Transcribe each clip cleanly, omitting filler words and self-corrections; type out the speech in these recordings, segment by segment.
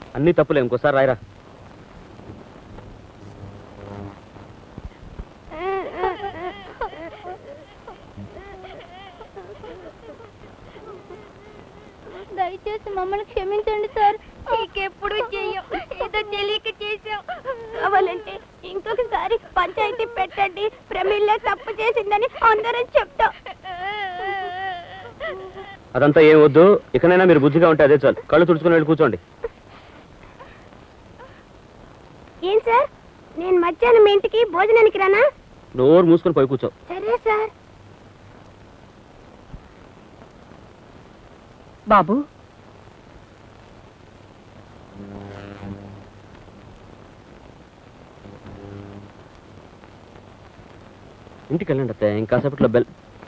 అన్ని తప్పులే, ఇంకోసారి రాయరా. దయచేసి మమ్మల్ని క్షమించండి సార్. ఇంకెప్పుడు చెయ్యం, ఏదో తెలియక చేసాం. కావాలంటే ఇంకొకసారి పంచాయతీ పెట్టండి. ప్రమిళ్ళ తప్పు చేసిందని అందరం చెప్తాం. అదంతా ఏం వద్దు, ఇకనైనా మీరు బుద్ధిగా ఉంటే అదే చాలు. కళ్ళు తుడుచుకుని వెళ్ళి కూర్చోండి. ఏం సార్, నేను మధ్యాహ్నం మీ ఇంటికి భోజనానికి రానా? నోరు మూసుకొని పోయి కూర్చో. సరే సార్. బాబు, ఇంటికి వెళ్ళండి అత్తయ్య, ఇంకాసేపట్లో బెల్.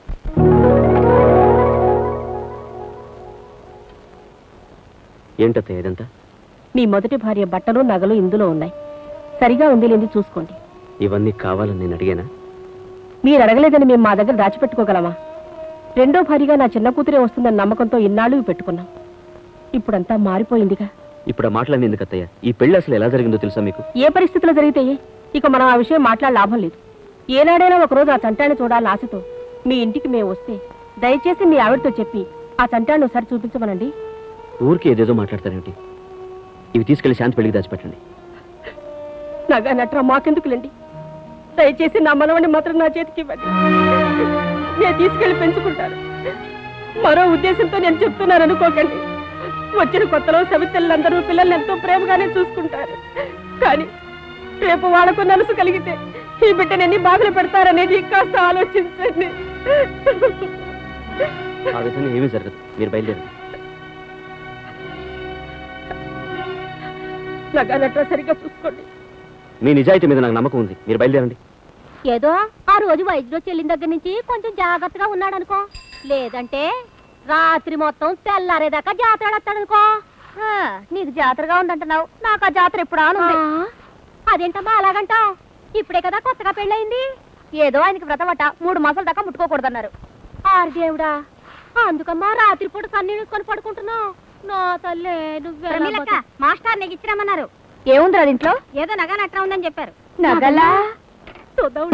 ఏంటత్తయ్య ఇదంతా? మీ మొదటి భార్య బట్టలు నగలు ఇందులో ఉన్నాయి. సరిగా ఉంది లేని చూసుకోండి. ఇవన్నీ కావాలని నేను అడిగానా? మీరు అడగలేదని మేము మా దగ్గర దాచిపెట్టుకోగలమా? రెండో భార్యగా నా చిన్న కూతురే వస్తుందన్న నమ్మకంతో ఇన్నాళ్ళు పెట్టుకున్నాం. ఇప్పుడంతా మారిపోయిందిగా. ఇప్పుడు ఆ మాటలన్నీ ఎందుకు అత్తయ్య? ఈ పెళ్లి అసలు ఎలా జరిగిందో తెలుసా మీకు? ఏ పరిస్థితుల్లో జరిగితే ఇక మనం ఆ విషయం మాట్లాడ లాభం లేదు. ఏనాడైనా ఒకరోజు ఆ చంటాన్ని చూడాలని ఆశతో మీ ఇంటికి మేము వస్తే దయచేసి మీ ఆవిడతో చెప్పి ఆ చంటాన్ని ఒకసారి చూపించమనండి. ఊరికి ఏదేదో మాట్లాడతారేంటి? ఇవి తీసుకెళ్లి శాంతి పెళ్లికి దాచిపెట్టండి. నగా నట్రా మాకెందుకులేండి. దయచేసి నా మనవని మాత్రం నా చేతికి ఇవ్వండి. నేను తీసుకెళ్లి పెంచుకుంటాను. మరో ఉద్దేశంతో నేను చెప్తున్నాను అనుకోకండి. వచ్చిన కొత్తలో సవితలందరూ పిల్లల్ని ఎంతో ప్రేమగానే చూసుకుంటారు. కానీ రేపు వాళ్ళకు నలుసు కలిగితే ఈ బిడ్డని ఎన్ని బాధలు పెడతారనేది కాస్త ఆలోచించండి. ఆ విధంగా ఏమీ జరగదు, మీరు బయలుదేరండి. నగా నట్రా సరిగ్గా చూసుకోండి. మీ నిజాయితీ మీద నాకు నమ్మకం ఉంది, మీరు బయలుదేరండి. ఏదో ఆ రోజు వైద్యుడు చెల్లిన దగ్గర నుంచి కొంచెం జాగ్రత్తగా ఉన్నాడు అనుకో. లేదంటే రాత్రి మొత్తం తెల్లారేదాకా జాతర ఆడతాడనుకో. నీకు జాతరగా ఉందంటున్నావు, నాకు ఆ జాతర ఎప్పుడు ఆనుంది. అదేంటమ్మా అలాగంటావు? ఇప్పుడే కదా కొత్తగా పెళ్ళయింది. ఏదో ఆయనకి వ్రతమట, 3 మాసాల దాకా ముట్టుకోకూడదన్నారు. ఆరు దేవుడా, అందుకమ్మా రాత్రి పూట కన్నీళ్ళుకొని పడుకుంటున్నావు. నా తల్లే నువ్వే. మాస్టర్ నీకు ఇచ్చిరమ్మన్నారు. ఏముందిరా దీంట్లో? ఏదో నగ నట్రా ఉందని చెప్పారు. నగలా? చూద్దాం.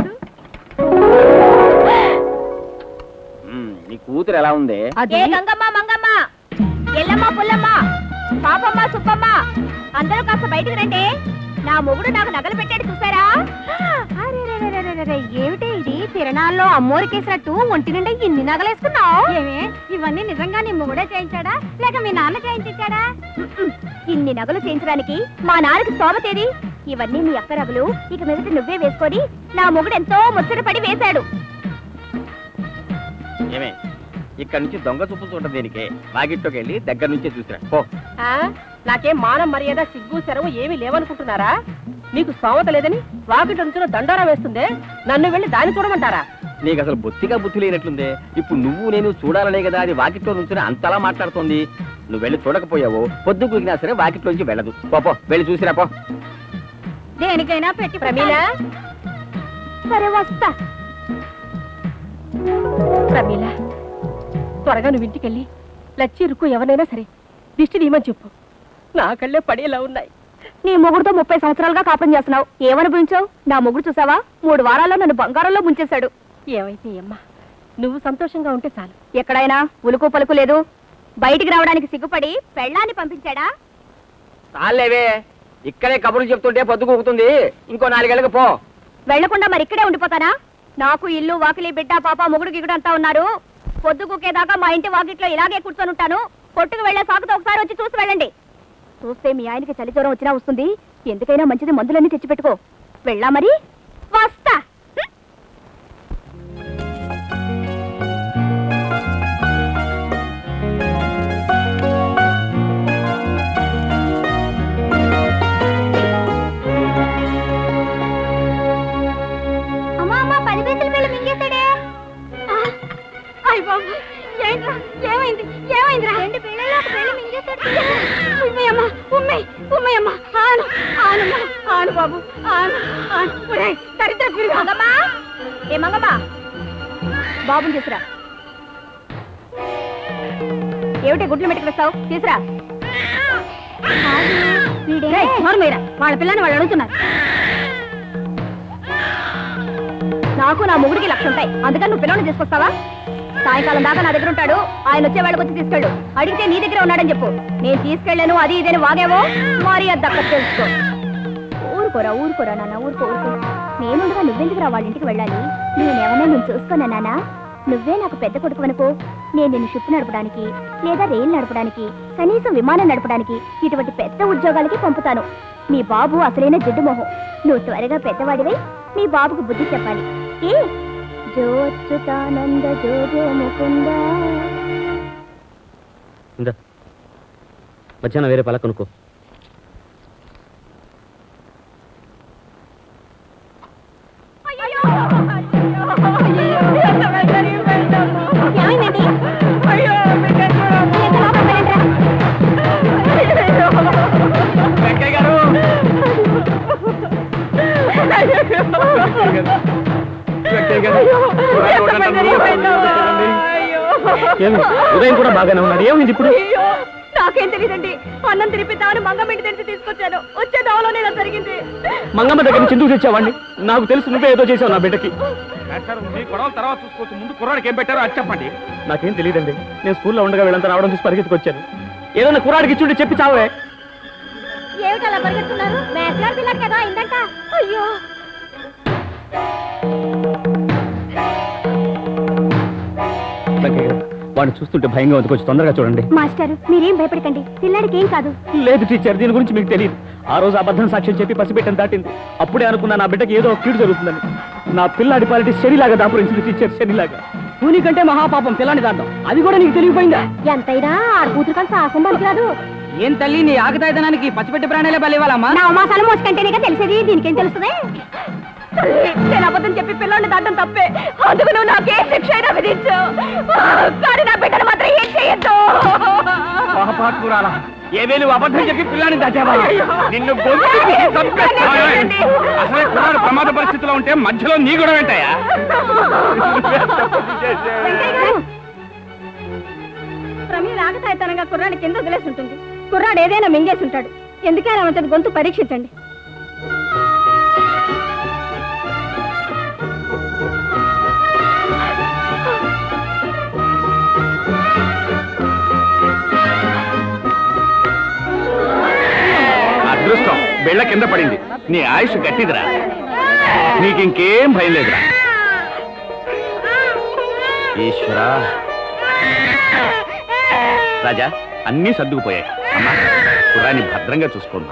నీ కూతురు ఎలా ఉంది? ఏ గంగమ్మ, మంగమ్మ, ఎల్లమ్మ, పుల్లమ్మ, పాపమ్మ, సుబ్బమ్మ, అందరూ కాస్త బయటకు రండి. నా మొగుడు నాకు నగలు పెట్టాడు చూసారా? ఏమిటి ఇది? తిరణాల్లో అమ్మోరికేసినట్టు ఒంటి నిండా ఇన్ని నగలేసుకున్నావు. ఏమే, ఇవన్నీ నిజంగా నీ మొగుడే చేయించాడా లేక మీ నాన్న చేయించాడా? ఇన్ని నగలు చేయించడానికి మా నాన్నకి స్తోమతేది? ఇవన్నీ నీ అక్క నగలు. ఇక మీదట నువ్వే వేసుకొని నా మొగుడు ఎంతో ముచ్చటపడి వేశాడు. ఏమే, ఇక్కడ నుంచి దొంగ చూపులు చూడటం దేనికే? వాకిట్లోకి వెళ్ళి దగ్గర నుంచే చూసిరా పో. నాకేం మానం మర్యాద సిగ్గు సెరవు ఏమీ లేవనుకుంటున్నారా? నీకు స్తోమత లేదని వాకిట నుంచి దండారా వేస్తుందే, నన్ను వెళ్ళి దాన్ని చూడమంటారా? నీకు అసలు బొత్తిగా బుద్ధి లేనట్లుందే. ఇప్పుడు నువ్వు నేను చూడాలనే కదా అది వాకిట్లో నుంచి అంతలా మాట్లాడుతోంది. నువ్వు వెళ్ళి చూడకపోయావో పొద్దు కుగినా సరే వాకిట్లోంచి వెళ్ళదు. పో, వెళ్ళి చూసిరా పో. దేనికైనా పెట్టి ప్రమీల. సరే వస్తా. ప్రమీల, త్వరగా నువ్వు ఇంటికెళ్ళి లచ్చి రుక్కు ఎవరైనా సరే దిష్టి తీయమని చెప్పు. నా కళ్ళే పడేలా ఉన్నాయి. నీ మొగుడుతో 30 సంవత్సరాలుగా కాపురం చేస్తున్నావు. ఏమనుభవించావు? నా మొగుడు చూసావా, 3 వారాల్లో నన్ను బంగారంలో ముంచేశాడు. ఏమైతే అమ్మా, నువ్వు సంతోషంగా ఉంటే చాలు. ఎక్కడైనా ఉలుకు పలుకు లేదు. బయటికి రావడానికి సిగ్గుపడి పెళ్ళాన్ని పంపించాడా? చాలేవే, ఇక్కడే కబుర్లు చెప్తుంటే పొద్దు కూకుతుంది. ఇంకో 4 ఏళ్ళకి పో. వెళ్లకుండా మరి ఇక్కడే ఉండిపోతానా? నాకు ఇల్లు వాకిలి బిడ్డ పాప మొగుడు గిగుడు అంతా ఉన్నారు. పొద్దు కూకేదాకా మా ఇంటి వాకిట్లో ఇలాగే కూర్చొని ఉంటాను. కొట్టుకు వెళ్లే సాకుతో ఒకసారి వచ్చి చూసి వెళ్ళండి. చూస్తే మీ ఆయనకి చలి జ్వరం వచ్చినా వస్తుంది. ఎందుకైనా మంచిది మందులన్నీ తెచ్చిపెట్టుకో. వెళ్ళా మరి, వస్తా. ఏమైంది? ఏమైందిరా? 2 పిల్లలు ఒక పిల్ల మింగేశాడు. ఉమ్మయ్యమ్మ, ఉమ్మయ్యమ్మ, ఆను ఆనమ్మా, ఆను బాబు, ఆను ఆను. ఒరేయ్ దరిద్ర పిరుగు. మంగమ్మా, ఏ మంగమ్మా, బాబుని తీసురా. ఏమిటి గుడ్లు మెట్టుకు వస్తావు? తీసురా. వాళ్ళ పిల్లని వాళ్ళు అడుగుతున్నారు. నాకు నా మొగుడికి లక్ష ఉంటాయి, అందుకని నువ్వు పిల్లల్ని తీసుకొస్తావా? సాయంకాలం దాకా నా దగ్గర ఉంటాడు, ఆయన వచ్చే వాళ్ళకి వచ్చి తీసుకెళ్ళు. అడిగితే నీ దగ్గర ఉన్నాడని చెప్పు. నేను తీసుకెళ్ళాను అది ఇదేని వాగేవో మరి అది దక్క తెలుసుకో. ఊరుకోరా నాన్న, ఊరుకో. నేనుండగా నువ్వెందుకురా వాళ్ళ ఇంటికి వెళ్ళాలి? నేనేమన్నా నేను చూసుకోనా నాన్న? నువ్వే నాకు పెద్ద కొడుకు అనుకో. నేను నిన్ను షిప్ నడపడానికి లేదా రైలు నడపడానికి కనీసం విమానం నడపడానికి ఇటువంటి పెద్ద ఉద్యోగాలకి పంపుతాను. మీ బాబు అసలైన జిడ్డు మొహం. నువ్వు త్వరగా పెద్దవాడివై మీ బాబుకు బుద్ధి చెప్పాలి. ఏ జోచ్యుతానంద జోజో ముకుంద. మధ్యాహ్నం వేరే పలక కొనుక్కో. ఏమైందండి? ఉదయం కూడా బాగానే ఉన్నాడు, ఏమైంది ఇప్పుడు? నాకేం తెలియదండి. అన్నం తినిపిద్దామని మంగమ్మ ఇంటి తెరిచి తీసుకొచ్చాను. వచ్చే దావలోనే ఇలా జరిగింది. మంగమ్మ దగ్గర నుంచి ఎందుకు తెచ్చావండి? నాకు తెలుసు నువ్వే ఏదో చేసావు నా బిడ్డకి. గొడవలు తర్వాత చూసుకోవచ్చు, ముందు కుర్రాడికి ఏం పెట్టారో అది చెప్పండి. నాకేం తెలియదండి. నేను స్కూల్లో ఉండగా వీళ్ళంతా రావడం చూసి పరిగెత్తుకు వచ్చాను. ఏదైనా కుర్రాడికి ఇచ్చుంటే చెప్పి చావే. ఏమిటలా పరిగెత్తున్నారు? మేట్లాడు పిల్లడు కదా అయిందంట. అయ్యో వాడిని చూస్తుంటే భయంగా ఉంది, కొంచెం తొందరగా చూడండి. మాస్టర్ మీరేం భయపడకండి, పిల్లాడికి ఏం కాదు. లేదు టీచర్, దీని గురించి మీకు తెలియదు. ఆ రోజు అబద్ధం సాక్ష్యం చెప్పి పసిబిడ్డను దాటింది. అప్పుడే అనుకున్నా నా బిడ్డకి ఏదో కీడు జరుగుతుందని. నా పిల్లాడి పాలిటీ శనిలాగా దాపురించింది టీచర్, శనిలాగా. కూని కంటే మహాపాపం పిల్లాన్ని దాటం, అది కూడా నీకు తెలియపోయిందా? ఎంతైనా ఆడ కూతురు కలిసి ఆసం పలికిరాదు. ఏం తల్లి నీ ఆగతాయితనానికి పసిబిడ్డ ప్రాణాలే బలివ్వాలమ్మా? నా మాసాలు మోసుకంటేనే తెలిసేది, దీనికేం తెలుస్తుంది? నేను అబద్ధం చెప్పి పిల్లల్ని దాటం తప్పే, అందుకు నువ్వు నాకే శిక్ష అయినా విధించు. కానీ నా బిడ్డను మాత్రం ఏం చేయొద్దు. పాపాత్మురాలా, ఏవే నువ్వు అబద్ధం చెప్పి పిల్లాన్ని దాచావా? నిన్ను అసలే కుర్రాడు ప్రమాద పరిస్థితిలో ఉంటే మధ్యలో నీ కూడా వెంటాయా? ప్రమీల ఆగతాయితనంగా కుర్రాడి కింద వదిలేసి ఉంటుంది. కుర్రాడు ఏదైనా మింగేసి ఉంటాడు. ఎందుకైనా అతని గొంతు పరీక్షించండి. అదృష్టం బెళ్ళ కింద పడింది. నీ ఆయుష్ గట్టిదిరా, నీకింకేం భయం లేదురా. ఈశ్వరా. రాజా, అన్నీ సర్దుకుపోయాయి. అమ్మా, కుర్రాన్ని భద్రంగా చూసుకోమ్మా.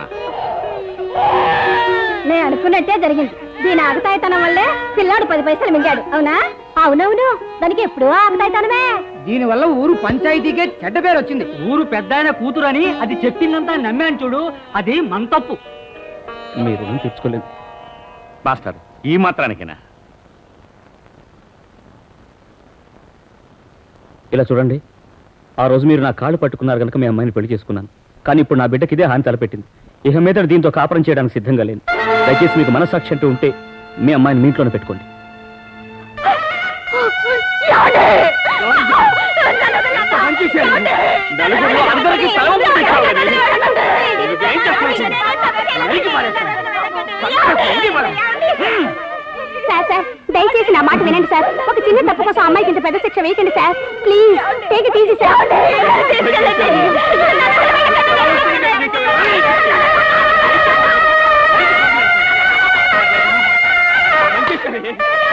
నేను అనుకున్నట్టే జరిగింది. దీని ఆగతాయితనం వల్లే పిల్లాడు 10 పైసలు మింగాడు. అవునా? అవునవును, దానికి ఎప్పుడు ఆగతాయితనమే. దీనివల్ల ఊరు పంచాయతీకే చెడ్డ పేరు వచ్చింది. ఊరు పెద్ద ఆయన కూతురు అని అది చెప్పిందంతా నమ్మాను చూడు, అది మన తప్పు. మీరు తెచ్చుకోలేదు మాస్టర్, ఈ మాత్రానికేనా? ఇలా చూడండి, ఆ రోజు మీరు నా కాళ్ళు పట్టుకున్నారు కనుక మీ అమ్మాయిని పెళ్లి చేసుకున్నాను. కానీ ఇప్పుడు నా బిడ్డకి ఇదే హాని తలపెట్టింది. ఇక మీద దీంతో కాపురం చేయడానికి సిద్ధంగా లేను. దయచేసి మీకు మనస్సాక్షి అంటూ ఉంటే మీ అమ్మాయిని మీ ఇంట్లోనే పెట్టుకోండి. సార్ దయచేసి నా మాట వినండి సార్. ఒక చిన్న తప్పు కోసం అమ్మాయికి ఇంత పెద్ద శిక్ష వేయకండి sir. Please take it easy sir.